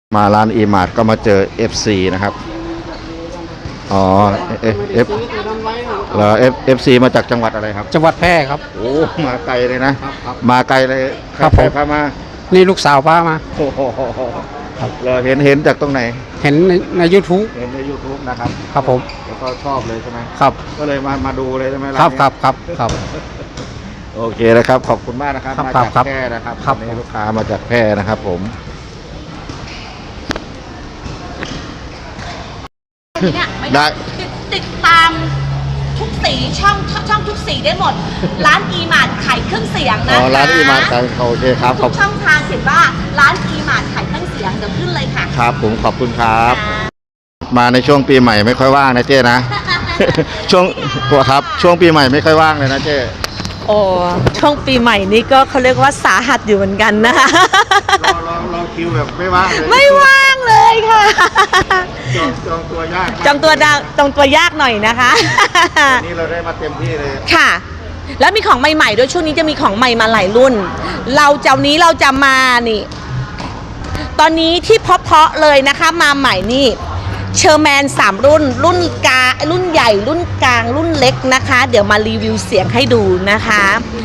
มาร้านอีมาร์ทก็มาเจอ FC นะครับอ๋อFC มาจากจังหวัดอะไรครับจังหวัดแพร่ครับโอ้มาไกลเลยนะมาไกลเลยครับผมพามานี่ลูกสาวพามาโอ้โหเราเห็นจากตรงไหนเห็นใน YouTube เห็นใน YouTube นะครับครับผมแล้วก็ชอบเลยใช่ไหมครับก็เลยมาดูเลยใช่ไหมครับโอเคนะครับขอบคุณมากนะครับมาจากแพร่นะครับนี่ลูกค้ามาจากแพร่นะครับผมได้ติดตามทุกสีช่องทุกสีได้หมดร้านอีมาร์ทขายเครื่องเสียงนะคะร้านอีมาร์ทขายโอเคครับทุกช่องทางเขียนว่าร้านอีมาร์ทขายเครื่องเสียงเดี๋ยวขึ้นเลยค่ะครับผมขอบคุณครับมาในช่วงปีใหม่ไม่ค่อยว่างนะเจ้นะ ช่วงครับช่วงปีใหม่ไม่ค่อยว่างเลยนะเจ้โอ้ช่วงปีใหม่นี้ก็เขาเรียกว่าสาหัสอยู่เหมือนกันนะคะเราคิวแบบไม่ว่างเลยไม่ว่างเลยค่ะจองตัวยากจองตัวยากหน่อยนะคะวันนี้เราได้มาเต็มที่เลยค่ะแล้วมีของใหม่ๆด้วยช่วงนี้จะมีของใหม่มาหลายรุ่นเราจะมานี่ตอนนี้ที่เพาะเลยนะคะมาใหม่นี่เชอร์แมน3รุ่นการุ่นใหญ่รุ่นกลางรุ่นเล็กนะคะเดี๋ยวมารีวิวเสียงให้ดูนะคะ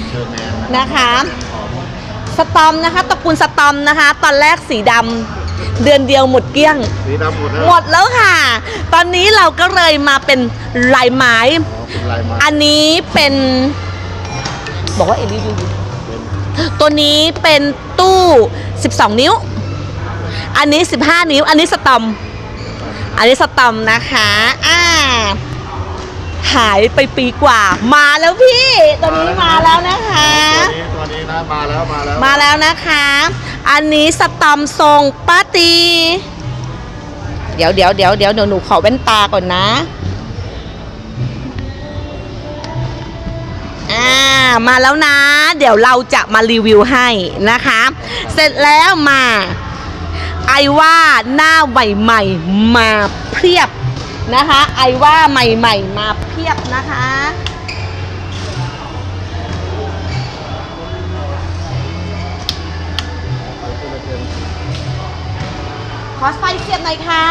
สตอมนะคะตระกูลสตอมนะคะตอนแรกสีดำเดือนเดียวหมดเกลี้ยงสีดำหมดแล้วค่ะตอนนี้เราก็เลยมาเป็นลายไม้อันนี้เป็นบอกว่ารีวิวตัวนี้เป็นตู้12นิ้วอันนี้15นิ้วอันนี้สตอมนะคะหายไปปีกว่ามาแล้วพี่ตอนนี้มาแล้วนะคะตัวนี้นะมาแล้วนะคะอันนี้สตอมทรงป้าตีเดี๋ยวหนูขอแว่นตาก่อนนะมาแล้วนะเดี๋ยวเราจะมารีวิวให้นะคะเสร็จแล้วมาไอว่าหน้าใหม่ๆมาเพียบนะคะไอว่าใหม่ๆมาเพียบนะคะขอไฟเสียบหน่อยค่ะ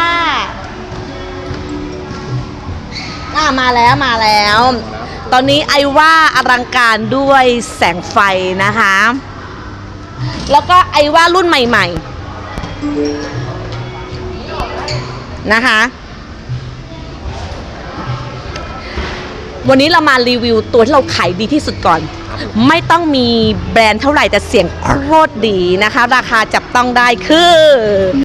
มาแล้วตอนนี้ไอว่าอลังการด้วยแสงไฟนะคะแล้วก็ไอว่ารุ่นใหม่ๆนะคะวันนี้เรามารีวิวตัวที่เราขายดีที่สุดก่อนไม่ต้องมีแบรนด์เท่าไหร่แต่เสียงโคตรดีนะคะราคาจับต้องได้คือ